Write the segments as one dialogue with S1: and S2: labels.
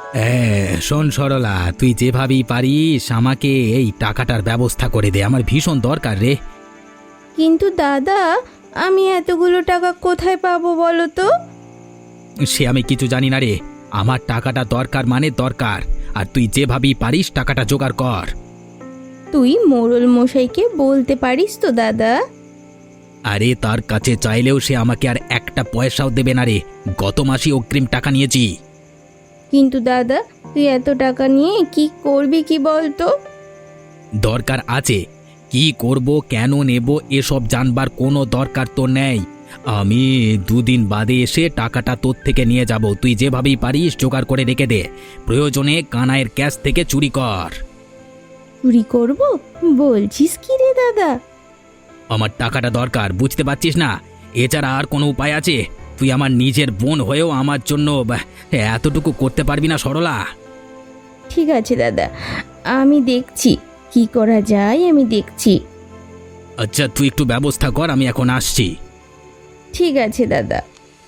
S1: শোন সরলা, তুই যেভাবেই পারিস আমাকে এই টাকাটার ব্যবস্থা করে দে, আমার ভীষণ দরকার রে।
S2: কিন্তু দাদা, আমি এতগুলো টাকা কোথায় পাবো বলো তো?
S1: সে আমি কিছু জানি না রে, আমার টাকাটা দরকার মানে দরকার, আর তুই যেভাবেই পারিস টাকাটা জোগাড় কর।
S2: তুই মোড়ল মশাইকে বলতে পারিস তো দাদা?
S1: আরে তার কাছে চাইলেও সে আমাকে আর একটা পয়সাও দেবে না রে, গত মাসে অগ্রিম টাকা নিয়েছি।
S2: কিন্তু দাদা, তুই এত টাকা নিয়ে কি করবি কি বলতো?
S1: দরকার আছে, কি করব কেন নেব এসব জানবার কোনো দরকার তো নেই। আমি দুদিন বাদে এসে টাকাটা তোর থেকে নিয়ে যাব, তুই যেভাবেই পারিস জোগাড় করে রেখে দে, প্রয়োজনে কানাইয়ের ক্যাশ থেকে চুরি কর।
S2: চুরি করব বলছিস কি রে দাদা?
S1: আমার টাকাটা দরকার, বুঝতে পারছিস না? এছাড়া আর কোনো উপায় আছে? তুই আমার নিজের বোন হয়েও আমার জন্য এতটুকু করতে পারবি না সরলা?
S2: ঠিক আছে দাদা, আমি দেখছি কি করা যায়, আমি দেখছি।
S1: আচ্ছা তুই একটু ব্যবস্থা কর, আমি এখন আসছি।
S2: ঠিক আছে দাদা।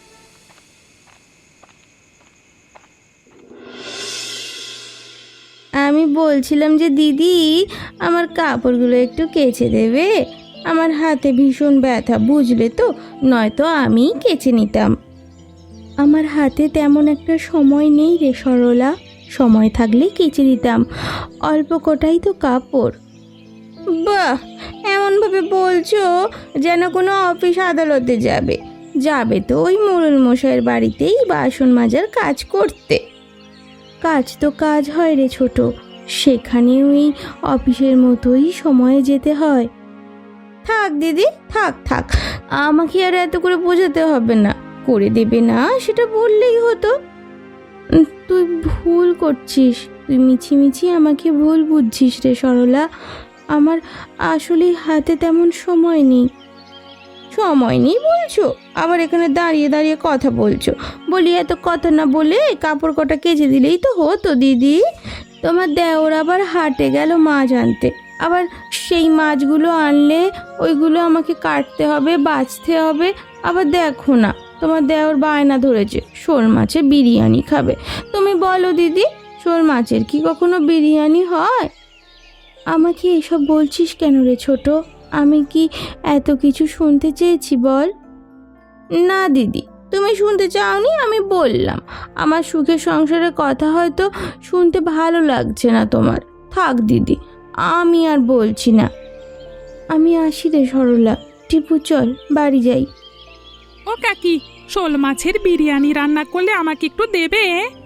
S2: আমি বলছিলাম যে দিদি, আমার কাপড়গুলো একটু কেচে দেবে? আমার হাতে ভীষণ ব্যথা, বুঝলে তো, নয়তো আমি কেচে নিতাম। আমার হাতে তেমন একটা সময় নেই রে সরলা, সময় থাকলে কেচে দিতাম, অল্প কটাই তো কাপড়। বাহ, এমনভাবে বলছো যেন কোনো অফিস আদালতে যাবে। যাবে তো ওই মোড়ল মশাইয়ের বাড়িতেই বাসন মাজার কাজ করতে। কাজ তো কাজ হয় রে ছোট, সেখানে ওই অফিসের মতোই সময়ে যেতে হয়। থাক দিদি, থাক থাক, আমাকে আর এত করে বোঝাতে হবে না, করে দেবে না সেটা বললেই হতো। তুই ভুল করছিস, তুই মিছিমিছি আমাকে ভুল বুঝছিস রে সরলা। আমার আসলে হাতে তেমন সময় নেই। সময় নেই বলছো, আবার এখানে দাঁড়িয়ে দাঁড়িয়ে কথা বলছো। বলি এত কথা না বলে কাপড় কটা কেচে দিলেই তো হতো দিদি। তোমার দেওর আবার হাটে গেল মাছ আনতে, আবার সেই মাছগুলো আনলে ওইগুলো আমাকে কাটতে হবে, বাছতে হবে। আবার দেখো না, তোমার দেওর বায়না ধরেছে শোল মাছের বিরিয়ানি খাবে। তুমি বলো দিদি, শোল মাছের কি কখনো বিরিয়ানি হয়? আমাকে এসব বলছিস কেন রে ছোট? আমি কি এত কিছু শুনতে চেয়েছি বল? না দিদি, তুমি শুনতে চাওনি, আমি বললাম। আমার সুখের সংসারের কথা হয়তো শুনতে ভালো লাগছে না তোমার। থাক দিদি, আমি আর বলছি না। আমি আসি রে সরলা, টিপু চল বাড়ি যাই।
S3: ও কাকি, শোল মাছের বিরিয়ানি রান্না করলে আমাকে একটু দেবে?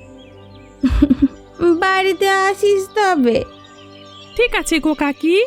S2: বাড়িতে আসিস তবে।
S3: ঠিক আছে গো কাকি।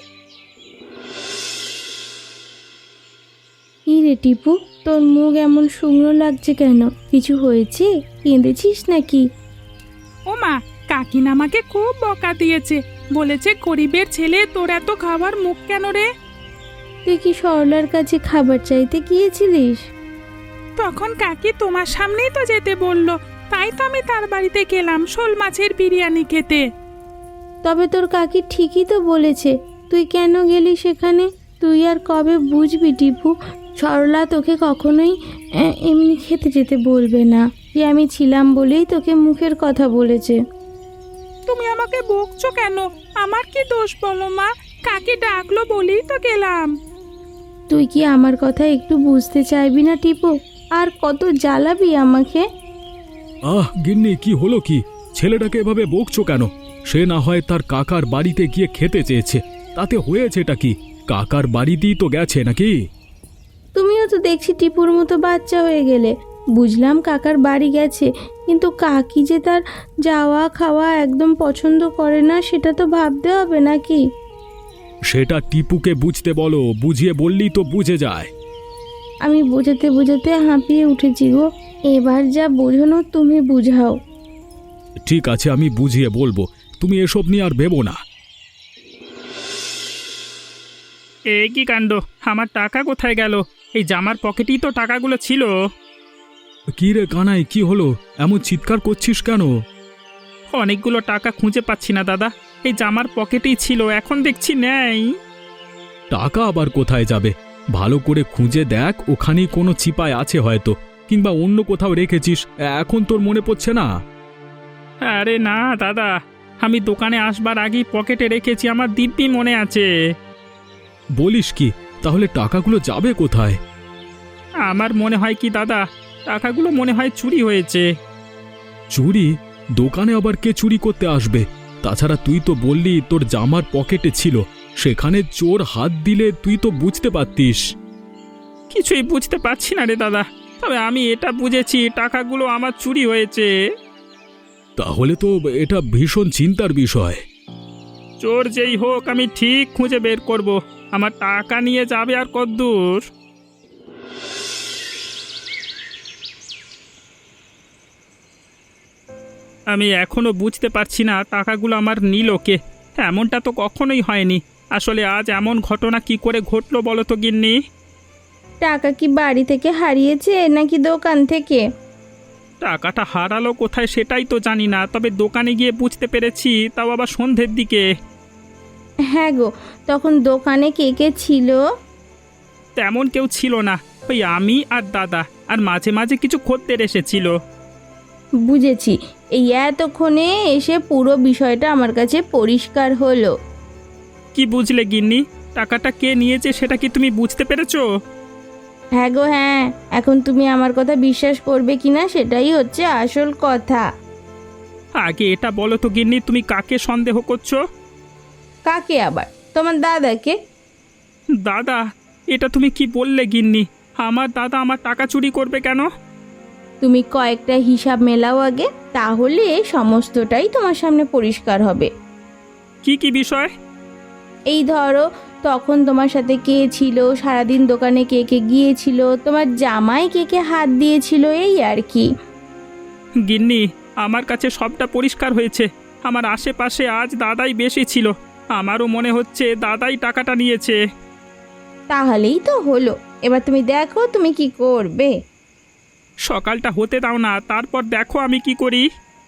S2: কি রে টিপু, তোর মুখ এমন শুকনো লাগছে কেন? কিছু হয়েছে? কেঁদেছিস নাকি?
S3: ও মা, কাকিন আমাকে খুব বকা দিয়েছে, বলেছে গরিবের ছেলে, তোর এত খাবার মুখ কেন রে?
S2: তুই কি সরলার কাছে খাবার চাইতে গিয়েছিলিস?
S3: তখন কাকি তোমার সামনেই তো যেতে বললো, তাই তো আমি তার বাড়িতে গেলাম শোল মাছের বিরিয়ানি খেতে।
S2: তবে তোর কাকি ঠিকই তো বলেছে, তুই কেন গেলি সেখানে? তুই আর কবে বুঝবি টিপু, সরলা তোকে কখনোই এমনি খেতে যেতে বলবে না। যে আমি ছিলাম বলেই তোকে মুখের কথা বলেছে।
S3: তুমি আমাকে বকছো কেন? আমার কি দোষ বলো মা? কাকি ডাকলো বলেই তো গেলাম।
S2: তুই কি আমার কথা একটু বুঝতে চাইবি না টিপু? আর কত জ্বালাবি আমাকে?
S4: গিন্নি, কি হলো কি? ছেলেটাকে এভাবে বকছো কেন? সে না হয় তার কাকার বাড়িতে গিয়ে খেতে চেয়েছে, তাতে হয়েছেটা কি? কাকার বাড়িতেই তো গেছে নাকি?
S2: তুমিও তো দেখছি টিপুর মতো বাচ্চা হয়ে গেলে। বুঝলাম কাকার বাড়ি গেছে, কিন্তু কাকি যে তার যাওয়া খাওয়া একদম পছন্দ করে না সেটা তো ভাবতে হবে নাকি?
S4: সেটা টিপুকে বুঝতে বলো, বুঝিয়ে বললেই তো বুঝে যায়।
S2: আমি বোঝাতে বোঝাতে হাঁপিয়ে উঠেছি গো, এবার যা বোঝানো তুমি বুঝাও।
S4: ঠিক আছে, আমি বুঝিয়ে বলবো, তুমি এসব নিয়ে আর ভেবো না।
S5: এ কি কাণ্ড! আমার টাকা কোথায় গেল? এই জামার পকেটেই তো টাকাগুলো ছিল।
S4: কি রে কানাই, কি হলো? এমন চিৎকার করছিস কেন?
S5: অনেকগুলো টাকা খুঁজে পাচ্ছি না দাদা, এই জামার পকেটেই ছিল, এখন দেখছি নেই।
S4: টাকা আবার কোথায় যাবে? ভালো করে খুঁজে দেখ, ওখানেই কোনো চিপায় আছে হয়তো, কিংবা অন্য কোথাও রেখেছিস, এখন তোর মনে পড়ছে না?
S5: আরে না দাদা, আমি দোকানে আসবার আগেই পকেটে রেখেছি, আমার দিব্যি মনে আছে।
S4: বলিস কি? তাহলে টাকাগুলো যাবে কোথায়?
S5: আমার মনে হয় কি দাদা, টাকাগুলো মনে হয় চুরি হয়েছে।
S4: চুরি? দোকানে আবার কে চুরি করতে আসবে? তাছাড়া তুই তো বললি তোর জামার পকেটে ছিল, সেখানে চোর হাত দিলে তুই তো বুঝতে পারতিস।
S5: কিছুই বুঝতে পারছি না রে দাদা, তবে আমি এটা বুঝেছি টাকাগুলো আমার চুরি হয়েছে।
S4: তাহলে তো এটা ভীষণ চিন্তার বিষয়।
S5: চোর যেই হোক আমি ঠিক খুঁজে বের করব। আমার টাকা নিয়ে যাবে আর কদ্দূর? আমি এখনো বুঝতে পারছি না টাকাগুলো আমার নিল কে। এমনটা তো কখনোই হয়নি। আসলে আজ এমন ঘটনা কি করে ঘটলো বলো তো গিন্নি?
S2: টাকা কি বাড়ি থেকে হারিয়েছে নাকি দোকান থেকে?
S5: টাকাটা হারালো কোথায় সেটাই তো জানি না, তবে দোকানে গিয়ে বুঝতে পেরেছি, তাও আবার সন্ধ্যের দিকে।
S2: হ্যাঁ গো, তখন দোকানে কে কে ছিল?
S5: তেমন কেউ ছিল না, ওই আমি আর দাদা, আর মাঝে মাঝে কিছু খদ্দের এসেছিল।
S2: বুঝেছি, এই এতক্ষণে এসে পুরো বিষয়টা আমার কাছে পরিষ্কার হলো।
S5: কি বুঝলে গিন্নি? টাকাটা কে নিয়েছে সেটা কি তুমি বুঝতে পেরেছো?
S2: হ্যাঁ গো হ্যাঁ, এখন তুমি আমার কথা বিশ্বাস করবে কিনা সেটাই হচ্ছে আসল কথা।
S5: আগে এটা বলো তো গিন্নি, তুমি কাকে সন্দেহ করছো?
S2: কাকে আবার? তোমার দাদাকে।
S5: দাদা? এটা তুমি কি বললে গিন্নি? আমার দাদা আমার টাকা চুরি করবে কেন?
S2: তুমি কয়েকটা হিসাব মেলাও আগে, তাহলে সমস্তটাই তোমার সামনে পরিষ্কার হবে।
S5: কি কি বিষয়?
S2: এই ধরো, তখন তোমার সাথে কে ছিল, সারাদিন দোকানে কে কে গিয়েছিল, তোমার জামাই কে কে হাত দিয়েছিল, এই আর কি।
S5: গিন্নি, আমার কাছে সবটা পরিষ্কার হয়েছে। আমার আশেপাশে আজ দাদাই বেশি ছিল। আমারও মনে হচ্ছে দাদাই টাকাটা নিয়েছে।
S2: তাহলেই তো হলো। এবার তুমি দেখো তুমি কি করবে।
S5: সকালটা হতে দাও না, তারপর দেখো আমি কি করি।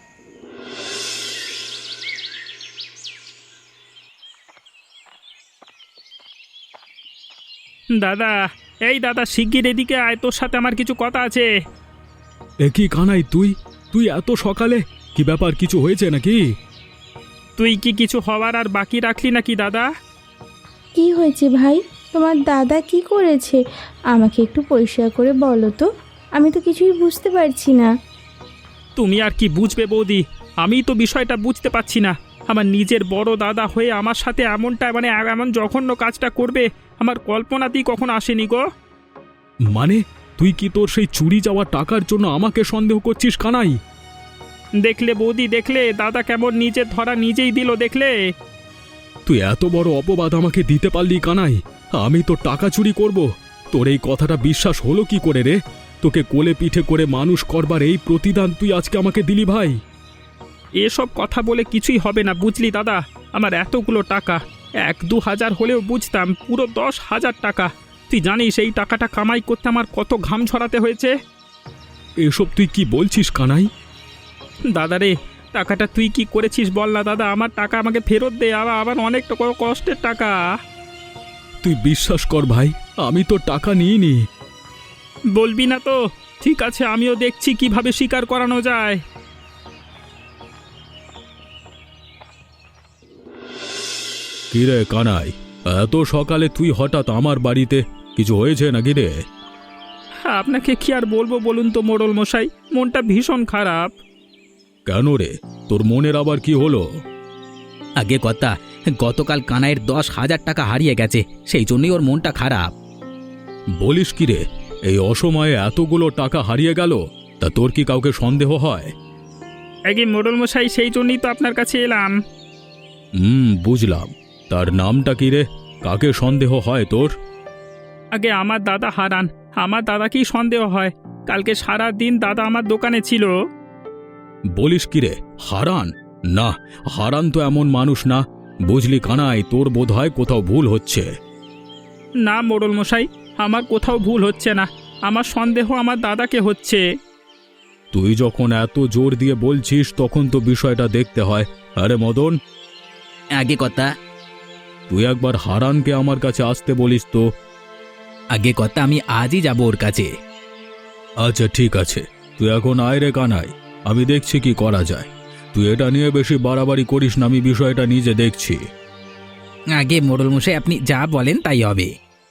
S5: দাদা, এই দাদা, শিগগির এদিকে আয়, তোর সাথে আমার কিছু কথা আছে।
S4: এ কি কানাই, তুই তুই এত সকালে? কি ব্যাপার, কিছু হয়েছে নাকি?
S5: তুই কি কিছু হওয়ার আর বাকি রাখলি নাকি দাদা?
S2: কি হয়েছে ভাই? তোমার দাদা কি করেছে? আমাকে একটু পরিষ্কার করে বলো তো, আমি তো কিছুই বুঝতে পারছি না।
S5: তুমি আর কি বুঝবে বৌদি, আমি তো বিষয়টা বুঝতে পারছি না। আমার নিজের বড় দাদা হয়ে আমার সাথে এমনটা, মানে এমন জঘন্য কাজটা করবে আমার কল্পনাতেই কখনো আসেনি গো।
S4: মানে তুই কি তোর সেই চুরি যাওয়া টাকার জন্য আমাকে সন্দেহ করছিস কানাই?
S5: দেখলে বৌদি, দেখলে দাদা কেমন নিজের ধরা নিজেই দিল, দেখলে?
S4: তুই এত বড় অপবাদ আমাকে দিতে পারলি কানাই? আমি তো টাকা চুরি করব? তোর এই কথাটা বিশ্বাস হলো কি করে রে? তোকে কোলে পিঠে করে মানুষ করবার এই প্রতিদান তুই আজকে আমাকে দিলি ভাই?
S5: এসব কথা বলে কিছুই হবে না, বুঝলি দাদা? আমার এতগুলো টাকা, 1-2 হাজার হলেও বুঝতাম, পুরো 10,000 টাকা। তুই জানিস এই টাকাটা কামাই করতে আমার কত ঘাম ঝরাতে হয়েছে?
S4: এসব তুই কি বলছিস কানাই?
S5: দাদা রে, টাকাটা তুই কি করেছিস বল না দাদা? আমার টাকা আমাকে ফেরত দে, আবার অনেক কষ্টের টাকা।
S4: তুই বিশ্বাস কর ভাই, আমি তো টাকা নিইনি।
S5: বলবি না তো? ঠিক আছে, আমিও দেখছি কিভাবে স্বীকার করানো যায়।
S4: কি রে কানাই, এত সকালে তুই হঠাৎ আমার বাড়িতে? কিছু হয়েছে নাকি রে?
S5: আপনাকে কি আর বলবো বলুন তো মোড়ল মশাই, মনটা ভীষণ খারাপ।
S4: কেন রে, তোর মনের আবার কি হলো?
S1: আগে কথা, গতকাল কানাইয়ের 10,000 টাকা হারিয়ে গেছে, সেই জন্যই ওর মনটা খারাপ।
S4: বলিস কি রে, এই অসময়ে এতগুলো টাকা হারিয়ে গেল? তা তোর কি কাউকে সন্দেহ হয়?
S5: আগে মোড়ল মশাই, সেই জন্যই তো আপনার কাছে এলাম।
S4: বুঝলাম। তার নামটা কি রে? কাকে সন্দেহ হয় তোর?
S5: আগে আমার দাদা হারান, আমার দাদাকেই সন্দেহ হয়। কালকে সারা দিন দাদা আমার দোকানে ছিল।
S4: বলিস কি রে, হারান? না, হারান তো এমন মানুষ না। বুঝলি কানাই, তোর বোধহয় কোথাও ভুল হচ্ছে।
S5: না মোড়ল মশাই, আমার কোথাও ভুল হচ্ছে না, আমার সন্দেহ আমার দাদাকে হচ্ছে।
S4: তুই যখন এত জোর দিয়ে বলছিস তখন তো বিষয়টা দেখতে হয়। আরে মদন,
S1: আগে কথা,
S4: তুই একবার হারানকে আমার কাছে আসতে বলিস তো।
S1: আগে কথা, আমি আজই যাব ওর কাছে।
S4: আচ্ছা ঠিক আছে, তুই এখন আয় রে কানাই, আমি দেখছি কি করা যায়। তুই এটা নিয়ে বেশি বাড়াবাড়ি করিস না, আমি বিষয়টা নিজে দেখছি।
S1: আগে মোড়ল মশাই আপনি যা বলেন তাই হবে।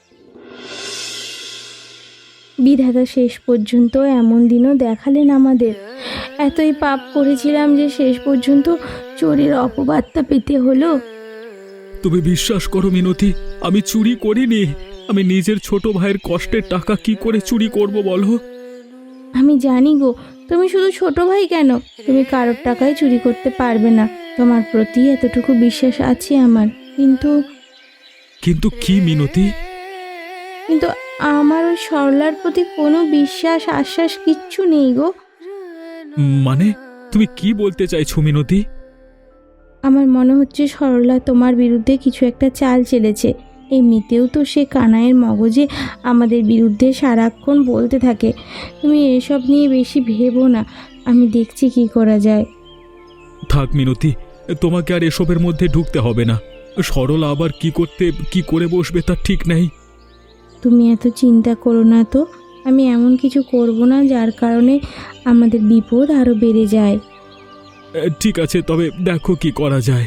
S2: বিধাতা শেষ পর্যন্ত এমন দিনও দেখালেন আমাদের। এতই পাপ করেছিলাম যে শেষ পর্যন্ত চোরের অপবাদটা পেতে হলো।
S4: তুমি বিশ্বাস করো মিনতি, আমি চুরি করিনি। আমি নিজের ছোট ভাইয়ের কষ্টের টাকা কি করে চুরি করব বলো?
S2: আমি জানি গো, তুমি শুধু ছোট ভাই কেন, তুমি কারোর টাকায় চুরি করতে পারবে না। তোমার প্রতি এতটুকু বিশ্বাস আছে আমার। কিন্তু
S4: কিন্তু কি মিনতি?
S2: কিন্তু আমার ওই সরলার প্রতি কোনো বিশ্বাস আশ্বাস কিচ্ছু নেই গো।
S4: মানে তুমি কি বলতে চাইছো মিনতি?
S2: আমার মনে হচ্ছে সরলা তোমার বিরুদ্ধে কিছু একটা চাল চেলেছে। এমনিতেও তো সে কানাইয়ের মগজে আমাদের বিরুদ্ধে সারাক্ষণ বলতে থাকে। তুমি এসব নিয়ে বেশি ভেবো না, আমি দেখছি কি করা যায়।
S4: থাক মিনতি, তোমাকে আর এসবের মধ্যে ঢুকতে হবে না। সরলা আবার কি করে বসবে তার ঠিক নেই।
S2: তুমি এত চিন্তা করো না তো, আমি এমন কিছু করব না যার কারণে আমাদের বিপদ আরও বেড়ে যায়।
S4: ঠিক আছে, তবে দেখো কি করা যায়।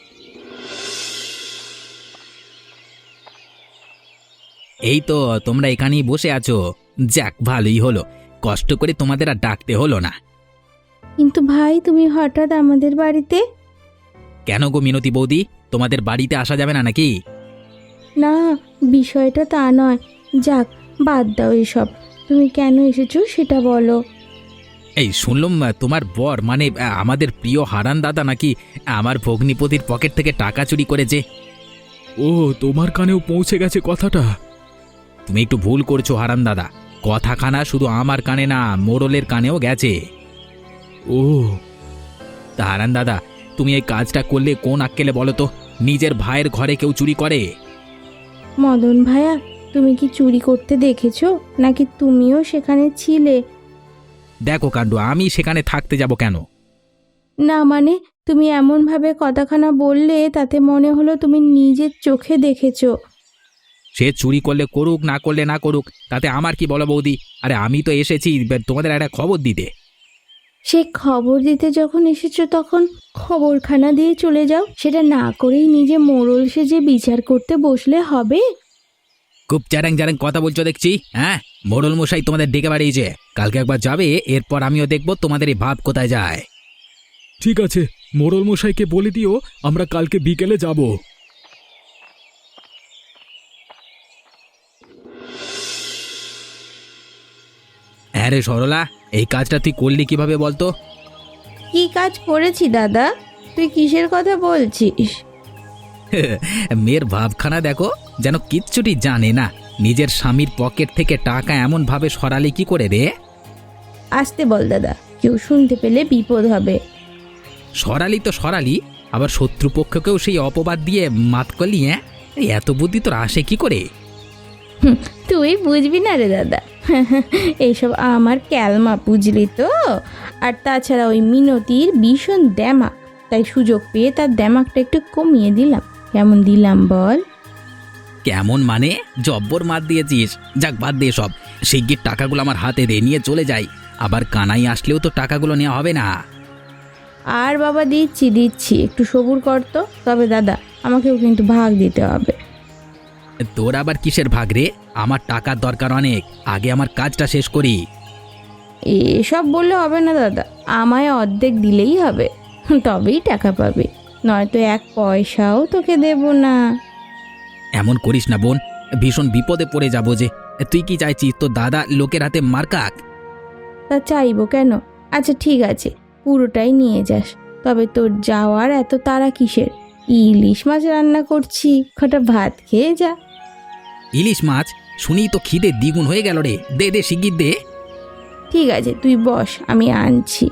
S1: এই তো তোমরা এখানেই বসে আছো, যাক ভালোই হলো, কষ্ট করে তোমাদের আর ডাকতে হলো না।
S2: কিন্তু ভাই, তুমি হঠাৎ আমাদের বাড়িতে?
S1: কেন গো মিনতি বৌদি, তোমাদের বাড়িতে আসা যাবে না নাকি?
S2: না, বিষয়টা তা নয়। যাক, বাদ দাও এসব। তুমি কেন এসেছো সেটা বলো।
S1: এই শুনলাম তোমার বর মানে আমাদের প্রিয় হারান দাদা নাকি আমার ভগ্নিপতির পকেট থেকে টাকা চুরি করেছে।
S4: ও, তোমার কানেও পৌঁছে গেছে কথাটা?
S1: তুমি একটু ভুল করছো হারান দাদা, কথাখানা শুধু আমার কানে না, মোড়লের কানেও গেছে।
S4: ও
S1: তা হারান দাদা, তুমি এই কাজটা করলে কোন আক্কেলে বলো তো? নিজের ভাইয়ের ঘরে কেউ চুরি করে?
S2: মদন ভাইয়া, তুমি কি চুরি করতে দেখেছো, নাকি তুমিও সেখানে ছিলে?
S1: দেখো কাণ্ড, আমি সেখানে থাকতে যাব কেন?
S2: না মানে, তুমি এমনভাবে কথাখানা বললে তাতে মনে হলো তুমি নিজের চোখে দেখেছো।
S1: সে চুরি করলে করুক, না করলে না করুক, তাতে আমার কি বলো বৌদি? আরে আমি তো এসেছি তোমাদের একটা খবর দিতে।
S2: সে খবর দিতে যখন এসেছো তখন খবরখানা দিয়ে চলে যাও। সেটা না করেই নিজে মোড়ল সেজে বিচার করতে বসলে হবে?
S1: খুব চ্যারাং চ্যারাং কথা বলছো দেখছি। হ্যাঁ, মোড়ল মশাই তোমাদের ডেকে বাড়িয়েছে, কালকে একবার যাবে, এরপর আমিও দেখবো তোমাদের এই ভাব কোথায় যায়।
S4: ঠিক আছে, মোড়ল মশাইকে বলে দিও আমরা কালকে বিকেলে যাব।
S1: হ্যাঁ রে সরলা, এই কাজটা তুই করলি কিভাবে বলতো?
S2: কি কাজ করেছি দাদা? তুই কিসের কথা বলছিস?
S1: মেয়ের ভাবখানা দেখো, যেন কিচ্ছুটি জানে না। নিজের স্বামীর পকেট থেকে টাকা এমন ভাবে সরালি কি করে রে?
S2: আসতে বল দাদা, কেউ শুনতে পেলে বিপদ হবে।
S1: সরালি তো সরালি, আবার শত্রুপক্ষকেও সেই অপবাদ দিয়ে মাত করলি। হ্যাঁ, এত বুদ্ধি তোর আসে কি করে?
S2: তুই বুঝবি না রে দাদা, এইসব আমার ক্যালমা, বুঝলি তো। আর তাছাড়া ওই মিনতির ভীষণ দ্যামাক, তাই সুযোগ পেয়ে তার দ্যামাকটা একটু কমিয়ে দিলাম। কেমন দিলাম বল?
S1: কেমন মানে? জব্বর মার দিয়েছিস। যাক বাদ দিয়ে সব, শিগগির টাকাগুলো আমার হাতে দে, নিয়ে চলে যাই। আবার কানাই আসলেও তো টাকাগুলো নেওয়া হবে না।
S2: আর বাবা, দিচ্ছি, একটু সবুর কর তো। তবে দাদা, আমাকেও কিন্তু ভাগ দিতে হবে।
S1: তোর আবার কিসের ভাগ রে? আমার টাকার দরকার অনেক, আগে আমার কাজটা শেষ করি।
S2: এসব বললে হবে না দাদা, আমায় অর্ধেক দিলেই হবে, তবেই টাকা পাবে, নয়তো এক পয়সাও তোকে দেব না।
S1: এমন করিস না বোন, ভীষণ বিপদে পড়ে যাবো যে। তুই কি চাইছিস তোর দাদা লোকের হাতে মার খাক?
S2: তা চাইবো কেন? আচ্ছা ঠিক আছে, পুরোটাই নিয়ে যাস। তবে তোর যাওয়ার এত তাড়া কিসের? ইলিশ মাছ রান্না করছি, কটা ভাত খেয়ে যা।
S1: ইলিশ মাছ শুনেই তো খিদে দ্বিগুণ হয়ে গেল রে। দে দে শিগগির দে।
S2: ঠিক আছে, তুই বস, আমি আনছি।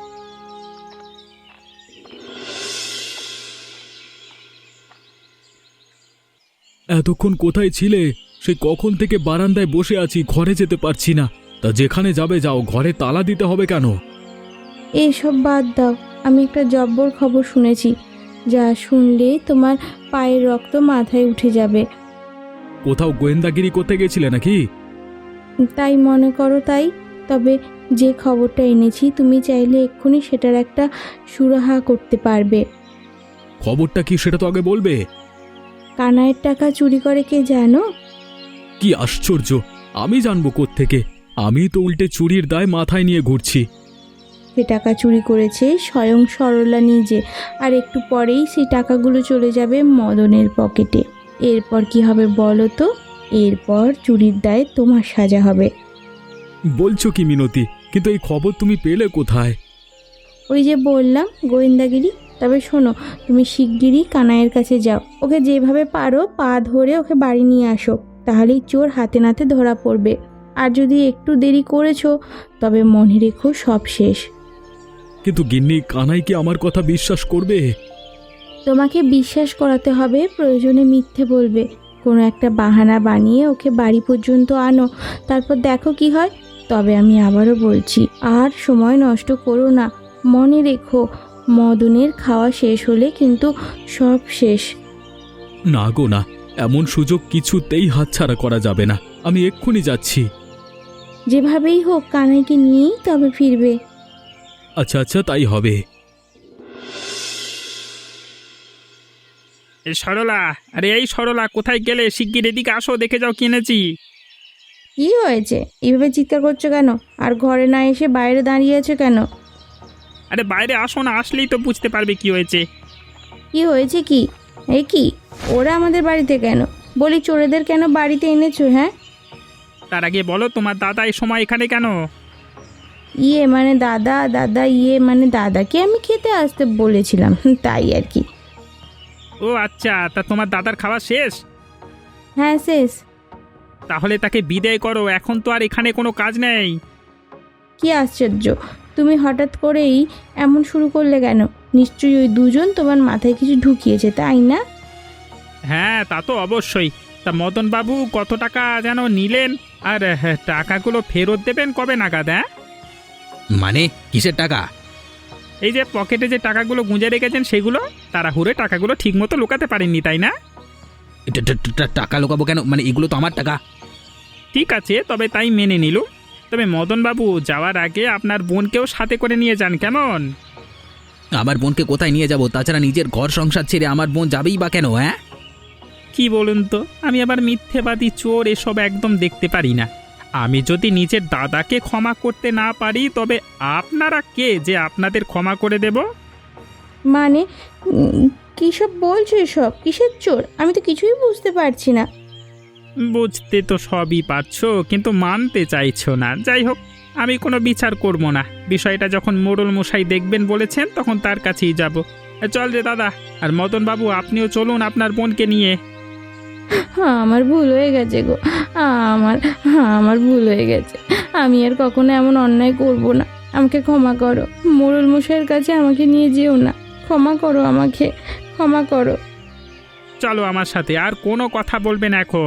S4: এতক্ষণ কোথায় ছিলে? সেই কখন থেকে বারান্দায় বসে আছি, ঘরে যেতে পারছি না। তা যেখানে যাবে যাও, ঘরে তালা দিতে হবে কেন?
S2: এসব বাদ দাও, আমি একটা জব্বর খবর শুনেছি, যা শুনলে তোমার পায়ের রক্ত মাথায় উঠে যাবে।
S4: কোথাও গোয়েন্দাগিরি করতে গেছিলে নাকি?
S2: তাই মনে করো। তাই তবে যে খবরটা এনেছি তুমি চাইলে এক্ষুনি সেটার একটা সুরাহা করতে পারবে।
S4: খবরটা কি সেটা তো আগে বলবে।
S2: কানাইয়ের টাকা চুরি করে কে জানো?
S4: কি আশ্চর্য, আমি জানবো কোত্থেকে? আমি তো উল্টে চুরির দায় মাথায় নিয়ে ঘুরছি।
S2: সে টাকা চুরি করেছে স্বয়ং সরলা নিজে, আর একটু পরেই সেই টাকাগুলো চলে যাবে মদনের পকেটে। এরপর কি হবে বলো তো? এরপর চুরির দায়ে তোমার সাজা হবে।
S4: বলছো কি মিনতি? কিন্তু এই খবর তুমি পেলে কোথায়?
S2: ওই যে বললাম, গোয়েন্দাগিরি। তবে শোনো, তুমি শিগগিরই কানাইয়ের কাছে যাও, ওকে যেভাবে পারো পা ধরে ওকে বাড়ি নিয়ে আসো, তাহলেই চোর হাতে নাতে ধরা পড়বে। আর যদি একটু দেরি করেছো তবে মনে রেখো সব শেষ।
S4: কিন্তু গিন্নি, কানাই কি আমার কথা বিশ্বাস করবে?
S2: তোমাকে বিশ্বাস করাতে হবে, প্রয়োজনে মিথ্যে বলবে। কোনো একটা বাহানা বানিয়ে ওকে বাড়ি পর্যন্ত আনো, তারপর দেখো কি হয়। তবে আমি আবারও বলছি, আর সময় নষ্ট করো না। মনে রেখো, মদনের খাওয়া শেষ হলে কিন্তু সব শেষ।
S4: না গো না, এমন সুযোগ কিছুতেই হাতছাড়া করা যাবে না। আমি এক্ষুনি যাচ্ছি।
S2: যেভাবেই হোক কানাইকে নিয়েই তবে ফিরবে।
S4: আচ্ছা আচ্ছা, তাই হবে।
S5: এই সরলা, আরে এই সরলা, কোথায় গেলে? শিগগির এদিকে আসো, দেখে যাও কিনেছি।
S2: কি হয়েছে? এইভাবে চিৎকার করছো কেন? আর ঘরে না এসে বাইরে দাঁড়িয়ে আছো কেন?
S5: আরে বাইরে আসো না, আসলেই তো বুঝতে পারবে কি হয়েছে।
S2: কি হয়েছে কি? এই কি, ওরা আমাদের বাড়িতে কেন? বলি, চোরেদের কেন বাড়িতে এনেছো? হ্যাঁ,
S5: তার আগে বলো, তোমার দাদা এই সময় এখানে কেন?
S2: ইয়ে মানে দাদা, দাদা ইয়ে মানে দাদাকে আমি খেতে আসতে বলেছিলাম, তাই আর কি।
S5: ও আচ্ছা, তা তোমার দাদার খাওয়া শেষ?
S2: হ্যাঁ শেষ।
S5: তাহলে তাকে বিদায় করো, এখন তো আর এখানে কোনো কাজ নেই।
S2: কি আশ্চর্য, তুমি হঠাৎ করেই এমন শুরু করলে কেন? নিশ্চয়ই ওই দুজন তোমার মাথায় কিছু ঢুকিয়েছে, তাই না?
S5: হ্যাঁ, তা তো অবশ্যই। তা মদন বাবু কত টাকা যেন নিলেন, আর টাকাগুলো ফেরত দেবেন কবে নাগাদ? হ্যাঁ,
S1: মানে কিসের টাকা?
S5: এই যে পকেটে যে টাকাগুলো গুঁজে রেখেছেন সেগুলো। তাড়াহুড়ে টাকাগুলো ঠিক মতো লুকাতে পারেননি, তাই না?
S1: টাকা লোকাবো কেন? মানে এগুলো তো আমার টাকা।
S5: ঠিক আছে, তবে তাই মেনে নিল। তবে মদন বাবু যাওয়ার আগে আপনার বোনকেও সাথে করে নিয়ে যান, কেমন?
S1: আমার বোনকে কোথায় নিয়ে যাব? তাছাড়া নিজের ঘর সংসার ছেড়ে আমার বোন যাবেই বা কেন? হ্যাঁ,
S5: কি বলুন তো, আমি আবার মিথ্যেবাদী, চোর এসব একদম দেখতে পারি না। আমি যদি নিজের দাদাকে ক্ষমা করতে না পারি, তবে আপনারা কে যে আপনাদের ক্ষমা করে দেব?
S2: মানে কী সব বলছো? এসব কিসের চোর? আমি তো কিছুই বুঝতে পারছি না।
S5: বুঝতে তো সবই পারছো, কিন্তু মানতে চাইছো না। যাই হোক, আমি কোনো বিচার করব না। বিষয়টা যখন মোড়ল মশাই দেখবেন বলেছেন, তখন তার কাছেই যাব। চল রে দাদা, আর মদন বাবু আপনিও চলুন আপনার বোনকে নিয়ে।
S2: হ্যাঁ, আমার ভুল হয়ে গেছে গো। আমার ভুল হয়ে গেছে। আমি আর কখনো এমন অন্যায় করব না। আমাকে ক্ষমা করো। মোড়ল মশাইয়ের কাছে আমাকে নিয়ে যেও না। ক্ষমা করো, আমাকে ক্ষমা করো।
S5: চলো আমার সাথে, আর কোনো কথা বলবেন এখন।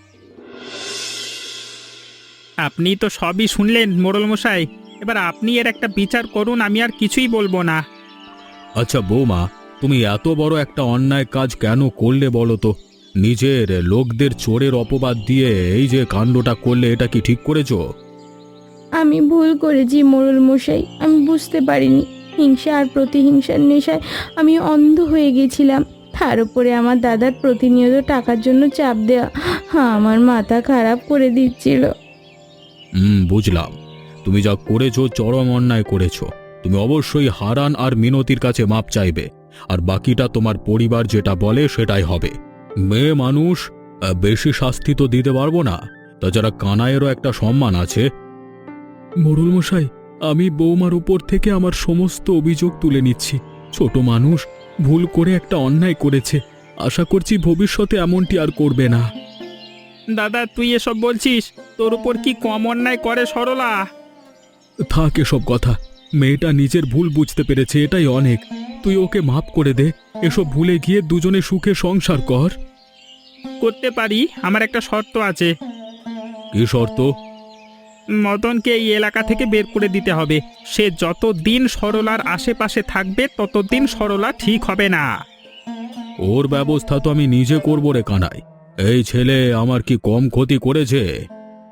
S5: আপনি তো সবই শুনলেন মোড়ল মশাই, এবার আপনি এর একটা বিচার করুন, আমি আর কিছুই বলবো না।
S4: আচ্ছা বৌমা, তুমি এত বড় একটা অন্যায় কাজ কেন করলে বলো তো? নিজের লোকদের চোরের অপবাদ দিয়ে এই যে কাণ্ডটা করলে, এটা কি ঠিক করেছো?
S2: আমি ভুল করেছি মোড়ল মশাই, আমি বুঝতে পারিনি। হিংসা আর প্রতিহিংসার নেশায় আমি অন্ধ হয়ে গেছিলাম। তার উপরে আমার দাদার প্রতিনিয়ত টাকার জন্য চাপ দেওয়া আমার মাথা খারাপ করে দিচ্ছিল।
S4: বুঝলাম। তুমি যা করেছো চরম অন্যায় করেছো। তুমি অবশ্যই হারান আর মিনতির কাছে মাপ চাইবে, আর বাকিটা তোমার পরিবার যেটা বলে সেটাই হবে। মেয়ে মানুষ, বেশি শাস্তি তো দিতে পারবো না। তাছাড়া কানাইয়েরও একটা সম্মান আছে। মোড়ল মশাই, আমি বৌমার উপর থেকে আমার সমস্ত অভিযোগ তুলে নিচ্ছি। ছোট মানুষ, ভুল করে একটা অন্যায় করেছে। আশা করছি ভবিষ্যতে এমনটি আর করবে না।
S5: দাদা, তুই এসব বলছিস? তোর উপর কি কম অন্যায় করে সরলা?
S4: থাক এসব কথা। মেয়েটা নিজের ভুল বুঝতে পেরেছে, এটাই অনেক। তুই ওকে মাফ করে দে। এসব ভুলে গিয়ে দুজনে সুখে সংসার কর।
S5: করতে পারি, আমার একটা শর্ত আছে।
S4: কি শর্ত?
S5: মদনকে এই এলাকা থেকে বের করে দিতে হবে। সে যতদিন সরলার আশেপাশে থাকবে ততদিন সরলা ঠিক হবে না।
S4: ওর ব্যবস্থা তো আমি নিজে করবো রে কানাই। এই ছেলে আমার কি কম ক্ষতি করেছে?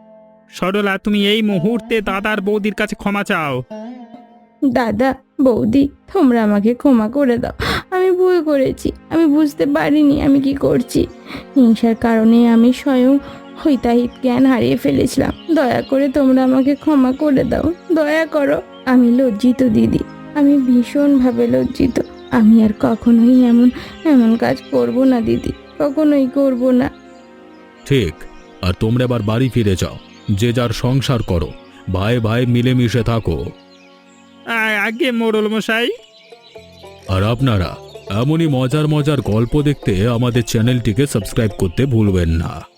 S5: সরলা, তুমি এই মুহূর্তে দাদার বৌদির কাছে ক্ষমা চাও।
S2: দাদা বৌদি, তোমরা আমাকে ক্ষমা করে দাও। আমি ভুল করেছি, আমি বুঝতে পারিনি আমি কি করছি। হিংসার কারণে আমি স্বয়ং হিতাহিত জ্ঞান হারিয়ে ফেলেছিলাম। দয়া করে তোমরা আমাকে ক্ষমা করে দাও, দয়া করো। আমি লজ্জিত দিদি, আমি ভীষণভাবে লজ্জিত। আমি আর কখনোই এমন এমন কাজ করব না দিদি, কখনোই করব না।
S4: ঠিক। আর তোমরা এবার বাড়ি ফিরে যাও, যে যার সংসার করো, ভাই ভাই মিলেমিশে থাকো।
S5: আগে মোড়ল মশাই।
S4: আর আপনারা এমনই মজার মজার গল্প দেখতে আমাদের চ্যানেলটিকে সাবস্ক্রাইব করতে ভুলবেন না।